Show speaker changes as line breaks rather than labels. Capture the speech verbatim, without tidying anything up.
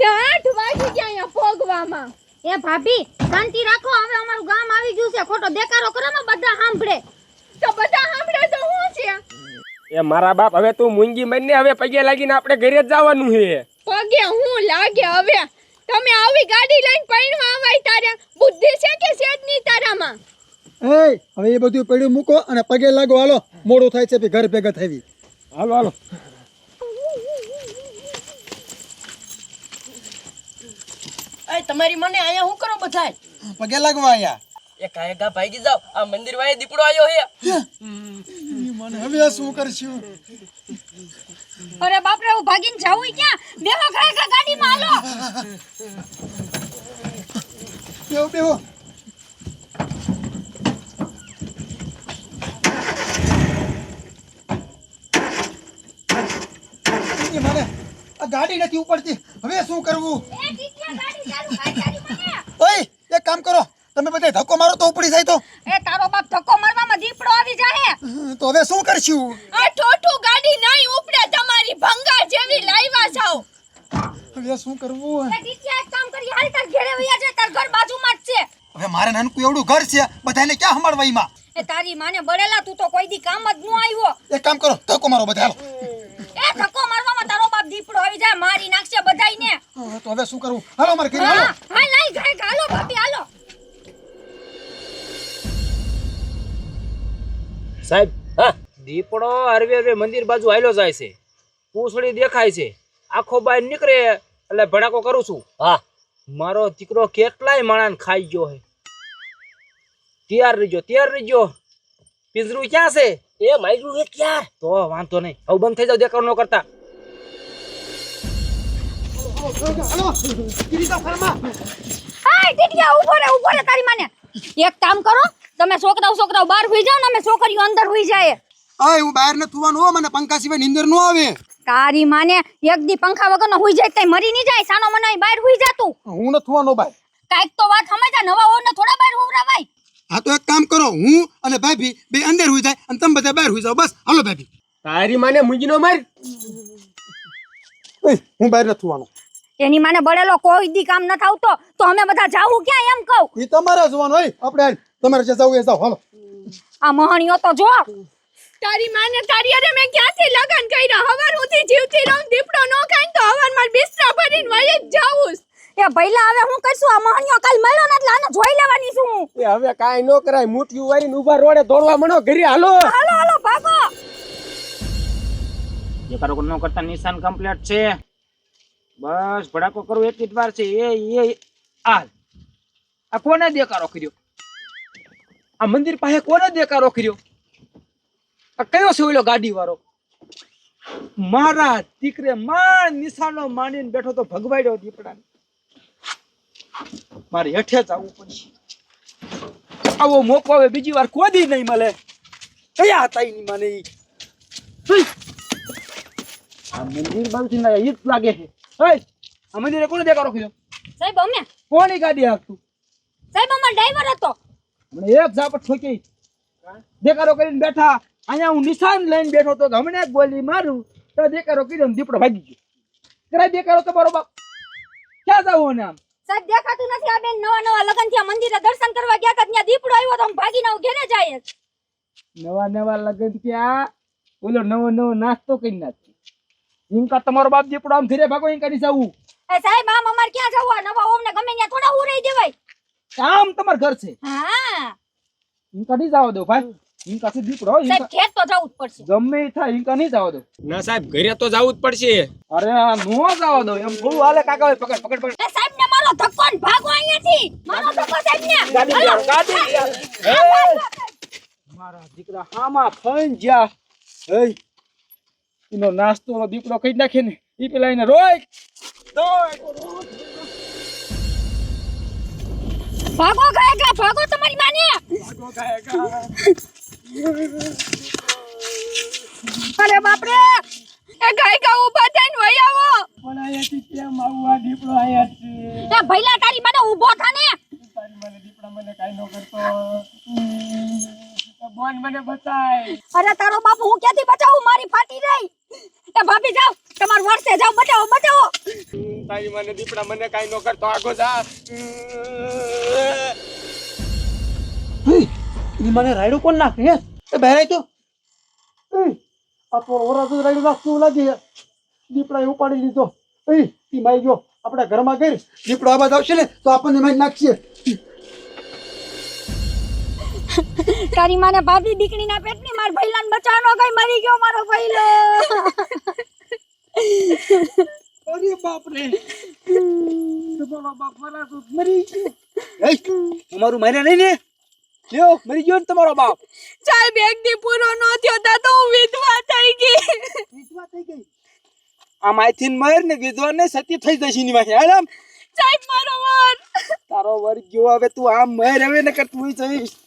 આઠ વાગી ગયા અહીંયા પોગવામાં.
એ ભાભી શાંતિ રાખો, હવે અમારું ગામ આવી ગયું છે, ખોટો દેકારો કરો ને બધા સાંભળે.
તો બધા સાંભળે તો શું છે?
એ મારા બાપ હવે તું મૂંગી મરીને હવે પગે લાગીને આપણે ઘરે જ જવાનું છે.
પગે હું લાગે હવે? તમે આવી ગાડી લઈને પૈણવા આવાય તારે બુદ્ધિ છે કે છે જ નહીં તારામાં?
એ હવે એ બધું પડ્યું મૂકો અને પગે લાગો. હાલો મોડું થાય છે, ઘર ભેગા થઈ.
હાલો હાલો.
એ તમારી મને અહીંયા શું કરો બધાય?
પગે લાગવા આયા.
એ કાય ગા ભાગી જાવ, આ મંદિર વાળે દીપડો આવ્યો હે.
મને હવે શું કરશું?
અરે બાપ રે, હું ભાગીને જાવું ક્યાં? બેહો ખરેખર ગાડીમાં, હાલો.
બેહો બેહો. મને આ ગાડી નથી ઉપડતી, હવે શું કરવું?
એ ટીટિયા ગાડી ચાલુ કર તારી મને.
ઓય એક કામ કરો, તમે બધા ધક્કો મારો તો ઉપડી જાય. તો
એ તારો બાપ ધક્કો મારવામાં દીપડો આવી જાહે.
તો હવે શું કરશું?
આ ઠોઠું ગાડી નહીં ઉપડે તમારી, ભંગાર જેવી લાવ્યા જાવ.
હવે શું કરવું?
એ ટીટિયા એક કામ કરી, હાલ તાર ઘરે વયા જા, તાર ઘર બાજુમાં જ છે.
હવે મારે નાનકું એવડું ઘર છે, બધાને ક્યાં સંભાળવા એમાં?
એ તારી માને બળેલા, તું તો કોઈ દી કામ જ ન આવ્યો.
એક કામ કરો, ધક્કો મારો બધા. હાલો.
એ ધક્કો મારવામાં તારો બાપ દીપડો આવી જાય, મારી નાખશે બધાયને.
હા, તો હવે શું કરવું? હાલો મારે ઘરે. હાલો.
હા હા લઈ ઘરે હાલો ભાભી, હાલો.
સાહેબ, હા, દીપડો હરવે હરવે મંદિર બાજુ હાલ્યો જાય છે, પૂંછડી દેખાય છે, આખો બહાર નીકળે એટલે ભડાકો કરું છું. હા, મારો દીકરો કેટલાય માણસ ખાઈ ગયો હે. તૈયાર રહીજો, તૈયાર રહીજો. પિંજરું ક્યાં છે? એ માર્યું હે ક્યાં? તો વાંધો નહીં, હવે બંધ થઈ જાવ, દેખાવ ન કરતા.
હાલો ગિરિજા ફરમા.
હાય ટીટિયા, ઉભો રે ઉભો રે, તારી માને એક કામ કરો, તમે છોકરાઓ છોકરાઓ બહાર હોઈ જાવ ને, અમે છોકરીઓ અંદર હોઈ જાય.
આય હું બહાર ન થવાનું હો, મને પંખા સિવાય નીંદર ન આવે.
તારી માને એક દી પંખા વગરનો હોઈ જાય તઈ મરી નહીં જાય, સાનો મનાઈ બહાર હોઈ જાતું.
હું ન થવાનો ભાઈ.
કાઈક તો વાત સમજ્યા, નવા ઓને થોડા બહાર હોવરાવાય.
હા તો એક કામ કરો, હું અને ભાભી બે અંદર હોઈ જાય અને તમે બધા બહાર હોઈ જાવ. બસ હાલો ભાભી.
તારી માને મૂંગીનો માર.
ઓય હું બહાર ન થવાનો.
એની માને બળેલો કોઈ દી કામ ન થાવતો તો અમે બધા જાવું ક્યાં એમ કહું.
ઈ તમારા જોવાનું હોય, આપણે હાલ તમારે જે જાવ એ જાવ. હાલો.
આ મહણીઓ તો જો.
તારી માને તારી અરે મેં ક્યાંથી લગન કર્યા? હવાર ઉઠી જીવતી રહું, દીપડો નો ખાય તો હવાર માર બિસ્તરા ભરીને વહી જ જાવું.
એ ભઈલા હવે હું કરશું? આ મહણીઓ કાલ મળ્યો ને એટલે આને જોઈ લેવાની છું હું.
એ હવે કાઈ નો કરાય, મુઠ્ઠી વારીને ઊભા રોડે દોડવા મણો ઘરે. હાલો
હાલો હાલો ભાગો.
દેખાડો ન કરતા નિશાન કમ્પ્લીટ છે. બસ ભડાકો કરું એટલી જ વાર છે. એ એ આ આ કોને દેકારો કર્યો? આ મંદિર પાસે કોને દેકારો કર્યો? આ કયો છે ઓલો ગાડી વાળો? મારા દીકરે માર નિશાનો માંડીને બેઠો તો ભગવાડ્યો દીપડાને. મારે હેઠે જ આવવું પડશે. આવો મોકો હવે બીજી વાર કોદી નહીં મળે. કયા હતા એની મને ઈ? આ મંદિર બાજુથી ના ઈ જ લાગે છે. ઓય, આ મંદિરે કોને દેકારો કર્યો?
સાહેબ અમે
કોની ગાડી હાંકતું?
સાહેબ અમાર ડ્રાઈવર હતો.
મને એક ઝાપટ ઠોકી દેકારો કરીને બેઠા. અહીંયા હું નિશાન લઈને બેઠો તો હમણે એક ગોલી મારું તો દેકારો કર્યો ને દીપડો ભાગી ગયો. કરાય દેકારો તો બરોબર. ક્યાં જાવું ને આમ?
સાહેબ દેખાતું નથી. આ બેન નવા નવા લગન થયા, મંદિરે દર્શન કરવા ગયા હતા, ત્યાં દીપડો આવ્યો તો અમે ભાગીને આવ ઘરે જાય.
નવા નવા લગન ત્યાં ઓલો નવો નવો નાસ્તો કરી નાખી. ઇનકા તમારો બાપ દીપડો આમ ઘરે ભાગો ઇનકા ની જાવું.
એ સાહેબ આમ અમાર ક્યાં જવું? આ નવા ઓમને ગમે ત્યાં થોડા ઉરાઈ દેવાય.
આમ તમાર ઘર છે.
હા
ઇનકા નહીં જાવ દો ભાઈ. ઇનકા થી દીપડો
સાહેબ ખેત તો જવું જ પડશે.
ગમે એ થાય ઇનકા નહીં જાવ દો.
ના સાહેબ, ઘરે તો જવું જ પડશે.
અરે આ નો જાવ દો એમ થોડું હાલે. કાકા ભાઈ પકડ પકડ પકડ.
એ સાહેબ ને મારો ધક્કો ને ભાગો અહીંયાથી. મારો ધક્કો સાહેબ ને.
ગાડી લ્યો, ગાડી લ્યો. એ મારા દીકરા હામાં ફઈન જ્યા. એ એનો નાસ્તો નો દીપડો કઈ નાખે ને ઈ પેલા એને રોય.
ભાગો ગાયકા, ભાગો તમારી માને.
ભાગો ગાયકા.
અરે બાપ રે,
એ ગાયકા ઊભા થઈને વહી આવો.
પણ અહીંયાથી કેમ આવું? આ દીપડો અહીંયા છે.
એ ભઈલા તારી માને ઊભો થા ને.
તારી મને દીપડા મને કાઈ નો કરતો. તો બોન મને બચાય.
અરે તારો બાપ હું ક્યાંથી બચાવું? મારી ફાટી રહી. એ ભાભી જાવ, તમાર વર્ષે જાવ, બચાવો બચાવો.
તારી મને દીપડા મને કાઈ નો કરતો આગો જા
ઈ મને રાયડું કોણ નાખે હે એ બહેરાય તો એ આ તો ઓરા તો રાયડું નાખતું લાગે દીપડા ઉપાડી લીધો એ ઈ માઈ ગયો આપણા ઘરમાં ગઈ દીપડો આ બાદ આવશે ને તો આપણને મારી નાખશે
તારી માને ભાભી દીકરીના પેટની માર ભઈલાને બચાવનો કઈ મરી ગયો મારો ભઈલો
અરે બાપ રે તમારો બાપ મારા તો મરી ગયો એ તમારું માર્યા નહીં ને લ્યો મરી ગયો ને તમારો બાપ
સાહેબ એક દી પૂરો નો થયો તા તો હું વિધવા થઈ ગઈ
વિધવા થઈ ગઈ આ માયથી મર ને વિધવા ને સતી થઈ જશે ની માથે હાલ આમ
સાહેબ મારો વર
તારો વર ગયો હવે તું આમ મર હવે ને કર તું જઈશ